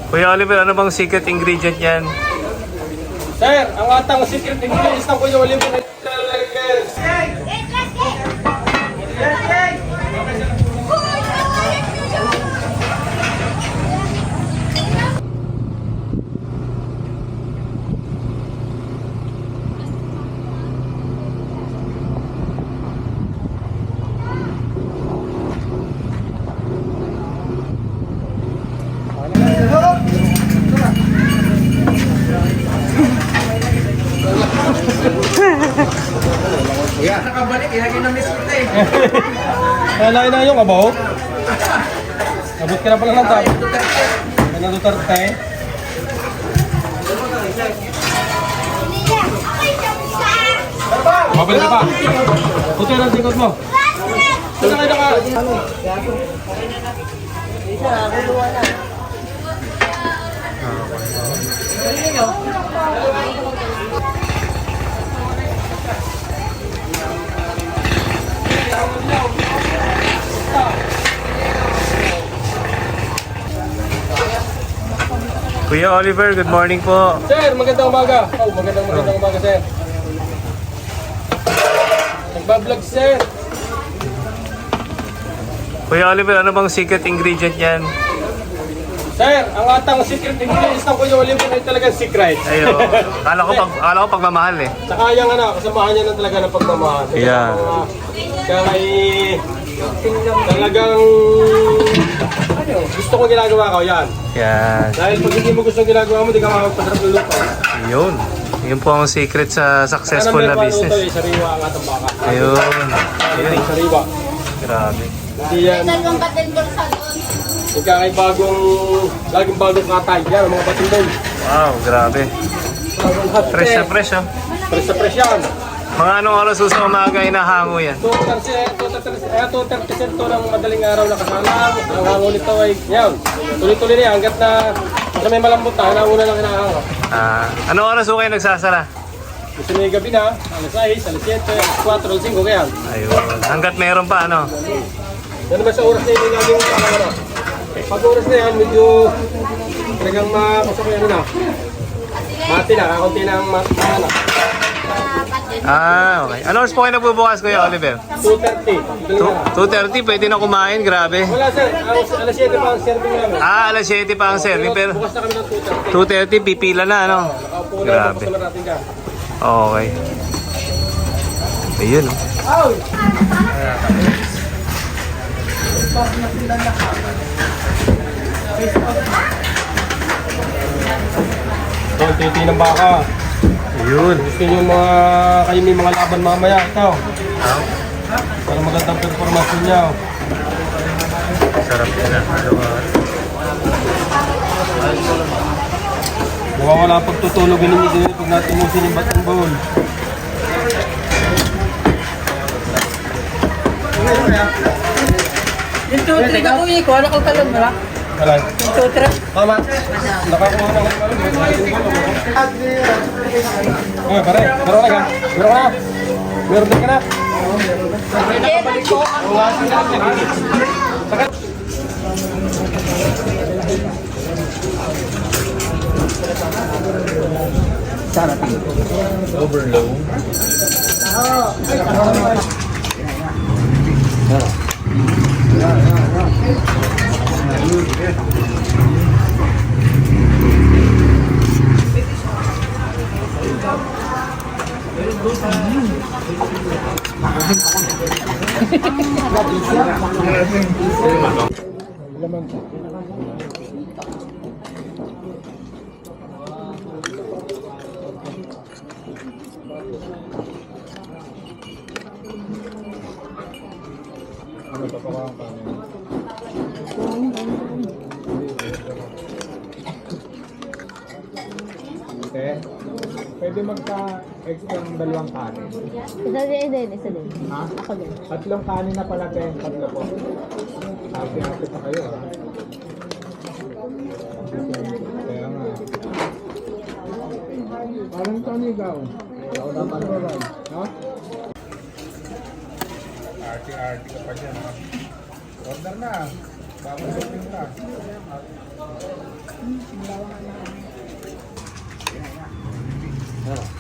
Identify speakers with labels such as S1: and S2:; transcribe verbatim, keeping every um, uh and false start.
S1: Kuya Oliver, ano bang secret ingredient yan?
S2: Sir, ang atang secret ingredients ng Kuya Oliver ay
S3: Kaya nakabalik, ilagay na miss ko eh.
S2: Kaya na yung abaw. Abot ka na pala ng tap. Kaya na Duterte. Mabalik ka pa. Puto na ang singkot mo. Puto na ka.
S1: Kuya Oliver, good morning po.
S2: Sir, magandang umaga. Oh, magandang magandang umaga, sir. Nagbablog, sir.
S1: Kuya Oliver, ano bang secret ingredient yan?
S2: Sir, ang atang secret ingredients ng Kuya Oliver ay talagang secret.
S1: Ayo, kala ko pag kala ko pagmamahal eh.
S2: Saka yung ano, kasamahan niya na talaga ng pagmamahal. Kaya
S1: Yeah.
S2: mga- Kaya ay talagang ano, gusto ko ginagawa ko, yan.
S1: Yan.
S2: Dahil pag hindi mo gusto ang ginagawa mo, di ka makapagpasarap ng lupa.
S1: Yun. Yun po ang secret sa successful na
S2: Luto
S1: business.
S2: eh, sariwa ang atang baka.
S1: Ayun. Ayun.
S2: Sariwa.
S1: Grabe.
S2: Hindi yan. Ika ay bagong, laging bagong katay. Yan, ang mga batindol.
S1: Wow, grabe.
S2: Bagong hot
S1: Fresh na
S2: eh.
S1: fresh oh.
S2: Fresh na fresh yan.
S1: Mga anong oras sa umaga inahango yan?
S2: two thirty cent to ng madaling araw na kasalang. Ang hango nito ay, yan, tuloy-tuloy na yan. Hanggat na sa may malambot na, hanauna lang hinahango.
S1: Ah, anong oras po kayo nagsasara?
S2: Gusto na yung gabi na, alas sais, alas siyete, alas kwatro, alas singko, kaya.
S1: Ayun. Hanggat meron pa ano?
S2: Yan naman sa oras na yun yung naging ano, ano. Pag oras na yan, medyo talagang makasok yan na. Mati na, kakunti na ang mati na.
S1: Ah, okay. Anong oras po kayo nagbubukas, Kuya Oliver?
S2: two thirty.
S1: two thirty, pwede na kumain, grabe.
S2: Wala sir, ang alas siyete pa ang serving namin.
S1: Ah, alas siyete pa ang serving, pero
S2: Bukas na kami ng two thirty.
S1: two thirty, pipila na, ano?
S2: Nakaupo na ang
S1: Grabe.
S2: customer natin dyan.
S1: Okay. Ayun, oh.
S2: Ito, ang titi ng baka.
S1: Ayun.
S2: Gusto nyo mga, kayo may mga laban mamaya. Ito,
S1: Ah,
S2: para magandang performance niya.
S1: sarap yan, ah. Ano ba?
S2: Nawawala ang pagtutulog ninyo din pag natimusin yung batang bowl.
S4: Yung tutri na uwi ko, ano kang talon mo lang?
S2: Wala.
S4: Yung tutri?
S2: Tama. Nakakuha na kayo. Okay, pare. Meron na ka? Meron ka na? Meron din ka na?
S4: Kailan po?
S2: Sakat. Overload.
S3: Te, pwede magka-extra ng dalawang kanin.
S4: Isa din, isa din, isa din.
S3: Ha?
S4: Ako din.
S3: Tatlong kanin na pala, te. Tatlo po. Happy-happy pa kayo, ha? Kaya nga. Parang tanigaw. Ako dapat ba ba? Ha? Arty-arty ka pa dyan, ha? Order na. Bago shopping ka.
S2: Ah.